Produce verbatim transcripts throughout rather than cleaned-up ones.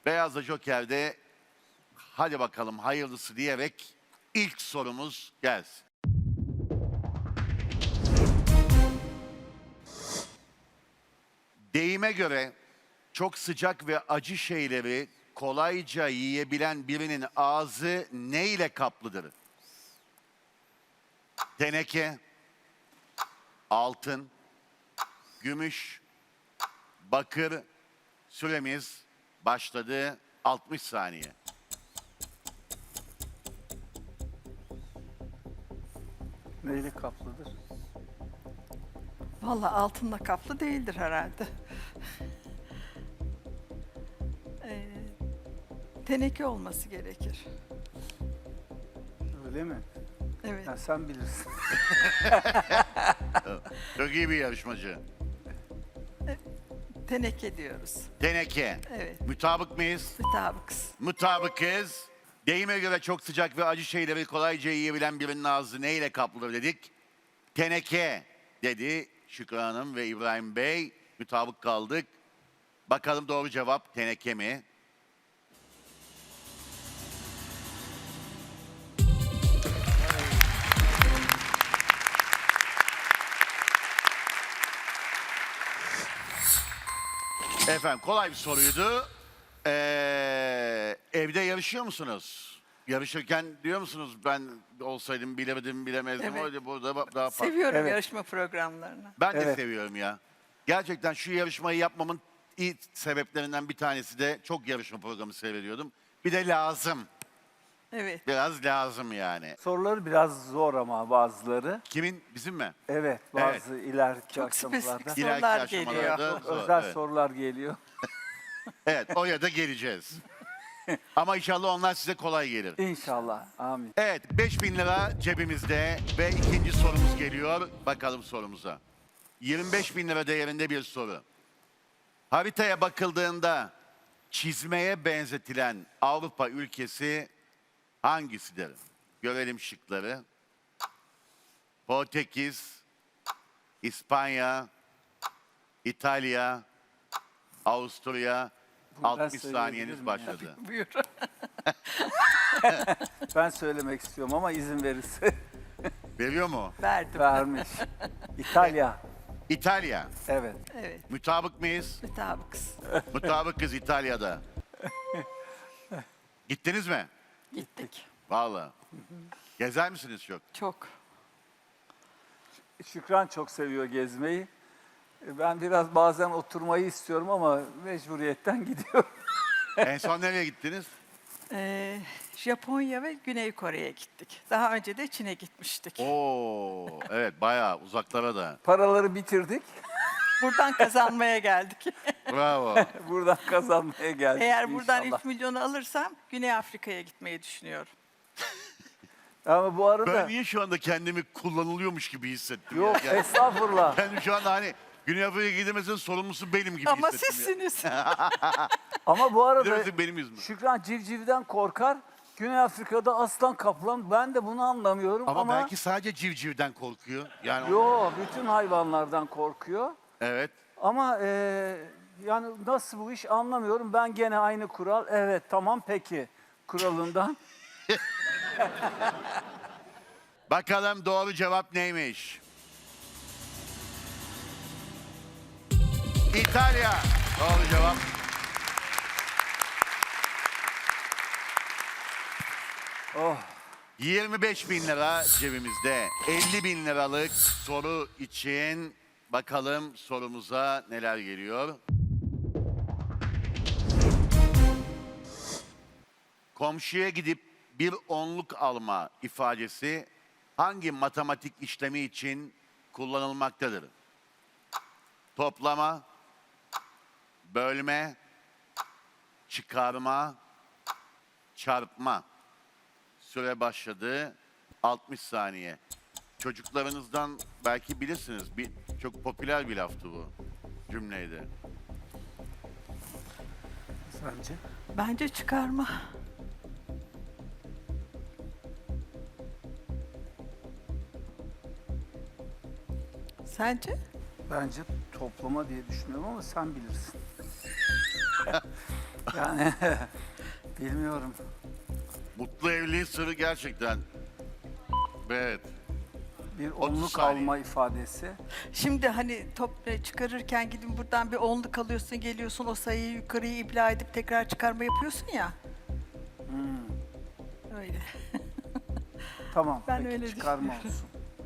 Beyazla Joker'de hadi bakalım hayırlısı diyerek ilk sorumuz gelsin. Deyime göre çok sıcak ve acı şeyleri kolayca yiyebilen birinin ağzı ne ile kaplıdır? Teneke, altın, gümüş, bakır. Süremiz başladı. altmış saniye. Neyle kaplıdır? Vallahi altınla kaplı değildir herhalde. Ee, teneke olması gerekir. Öyle mi? Evet. Ya sen bilirsin. Çok iyi bir yarışmacı. Teneke diyoruz. Teneke. Evet. Mutabık mıyız? Mutabıkız. Mutabıkız. Deyime göre çok sıcak ve acı şeyleri kolayca yiyebilen birinin ağzı neyle kaplıdır dedik? Teneke dedi Şükrü Hanım ve İbrahim Bey. Mutabık kaldık. Bakalım doğru cevap teneke mi? Efendim kolay bir soruydu. Ee, evde yarışıyor musunuz? Yarışırken diyor musunuz ben olsaydım bilemedim bilemezdim. Evet. Öyle burada daha farklı. Seviyorum Evet. yarışma programlarını. Ben de Evet. seviyorum ya. Gerçekten şu yarışmayı yapmamın iyi sebeplerinden bir tanesi de çok yarışma programı seyrediyordum. Bir de lazım. Evet. Biraz lazım yani. Soruları biraz zor ama bazıları. Kimin? Bizim mi? Evet, bazı ileriki Çok aşamalarda. spesifik İleriki sorular aşamalarda geliyor. zor, Özel evet. sorular geliyor. Evet, oraya da geleceğiz. Ama inşallah onlar size kolay gelir. İnşallah. Amin. Evet, beş bin lira cebimizde ve ikinci sorumuz geliyor. Bakalım sorumuza. yirmi beş bin lira değerinde bir soru. Haritaya bakıldığında çizmeye benzetilen Avrupa ülkesi hangisidir? Görelim şıkları. Portekiz, İspanya, İtalya, Avusturya. Ben altmış söyleyebilir saniyeniz miyim başladı. Buyur. Ben söylemek istiyorum ama izin verirse Veriyor mu? Verdim. vermiş. İtalya. İtalya. Evet. Evet. Mutabık mıyız? Mutabıkız. Mutabıkız İtalya'da. Gittiniz mi? Gittik. Vallahi. Gezer misiniz çok? Çok. Şükran çok seviyor gezmeyi. Ben biraz bazen oturmayı istiyorum ama mecburiyetten gidiyorum. En son nereye gittiniz? Ee, Japonya ve Güney Kore'ye gittik. Daha önce de Çin'e gitmiştik. Oo, evet bayağı uzaklara da. Paraları bitirdik. Buradan kazanmaya geldik. Bravo. Buradan kazanmaya geldik Eğer buradan inşallah. ilk milyonu alırsam Güney Afrika'ya gitmeyi düşünüyorum. Ama bu arada... Ben niye şu anda kendimi kullanılıyormuş gibi hissettim? Yok ya? Yani estağfurullah. kendim şu anda hani Güney Afrika'ya gidemezsin sorumlusu benim gibi Ama hissettim. ya. sizsiniz. Ama bu arada Gidemezsin benim yüzümden. Şükran civcivden korkar. Güney Afrika'da aslan kaplan. Ben de bunu anlamıyorum Ama, ama... belki sadece civcivden korkuyor. Yani Yo, bütün hayvanlardan korkuyor. evet. Ama e, yani nasıl bu iş anlamıyorum. Ben gene aynı kural. Evet tamam peki kuralından. Bakalım doğru cevap neymiş? İtalya. Doğru cevap. Oh. yirmi beş bin lira cebimizde. elli bin liralık soru için bakalım sorumuza neler geliyor. Komşuya gidip bir onluk alma ifadesi hangi matematik işlemi için kullanılmaktadır? Toplama, bölme, çıkarma, çarpma. Süre başladı. altmış saniye. Çocuklarınızdan belki bilirsiniz. Bir, çok popüler bir laftı bu cümleydi. Sence? Bence çıkarma. Sence? Bence toplama diye düşünüyorum ama sen bilirsin. Yani bilmiyorum. Mutlu evliliğin sırrı gerçekten. Evet. Bir otuz onluk saniye. alma ifadesi. Şimdi hani top e, çıkarırken gidin buradan bir onluk alıyorsun, geliyorsun o sayıyı yukarıya ibla edip tekrar çıkarma yapıyorsun ya. Öyle. Tamam. Ben peki, öyle çıkarma olsun.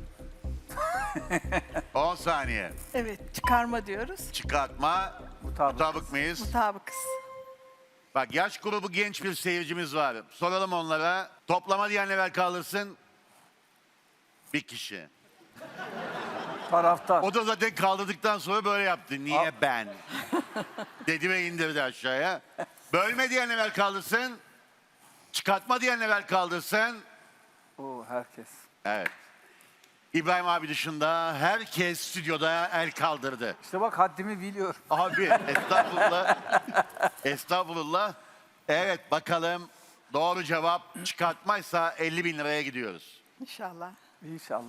on saniye. Evet, çıkarma diyoruz. Çıkartma. Mutabık. Mutabık mıyız? Mutabıkız. Bak yaş grubu genç bir seyircimiz var. Soralım onlara. Toplama diyen evvel kaldırsın. Bir kişi. Taraftar. O da zaten kaldırdıktan sonra böyle yaptı. Niye Al. ben? Dedi ve indirdi aşağıya. Bölme diyen evvel kaldırsın. Çıkartma diyen evvel kaldırsın. Oo, herkes. Evet. İbrahim abi dışında herkes stüdyoda el kaldırdı. İşte bak haddimi biliyorum. Abi estağfurullah. Estağfurullah. Evet bakalım doğru cevap çıkartmaysa elli bin liraya gidiyoruz. İnşallah. İnşallah.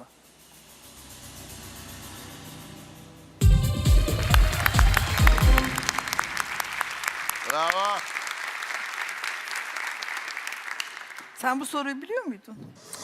Bravo. Sen bu soruyu biliyor muydun?